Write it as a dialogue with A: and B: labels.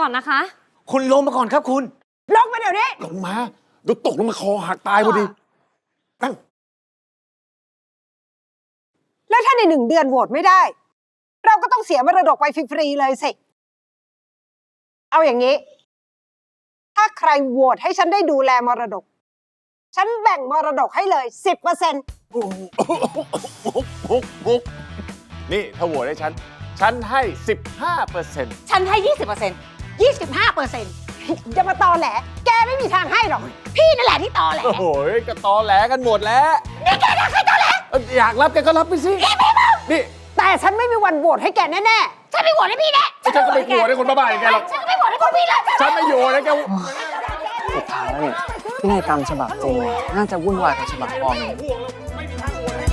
A: อนนะคะ
B: คุณลงมาก่อนครับคุณ
C: ลงมาเดี๋ยวนี้
D: ลงมาเดี๋ยวตกลงมาคอหักตายพอดีนั่ง
C: แล้วถ้าใน1 เดือนโหวตไม่ได้ เราก็ต้องเสียมรดกไปฟรีๆเลยสิ เอาอย่างนี้ ถ้าใครโหวตให้ฉันได้ดูแลมรดก ฉันแบ่งมรดกให้เลย 10%
D: มุกนี่ถ้าโหวตให้ฉันให้ 15%
E: ฉันให้ 20% 25%
C: จะมาตอแหล แกไม่มีทางให้หรอก
E: พี่นั่นแหละที่ตอแหล
D: โอ้โหก็ตอแหลกันหมดแล้วนี่แกอยากให้ตอแหลอยากรับแกก็รับไปสินี่
C: แต่ฉันไม่มีวันโหวตให้แกแน่
E: ฉันไม่โหวตให้พี่แน่
D: ฉันก็ไม่กลัวให้คนบ้าๆอย่างแกหรอก
E: ฉันก็ไม่โหวตให้พวกพี่เลย
D: ฉันไม่อยู่นะแก
B: สุดท้ายแล้วเนี่ยพินัยกรรมฉบับจริงน่าจะวุ่นวายกว่าฉบับปลอม
D: ไม่มีทางโหวตให้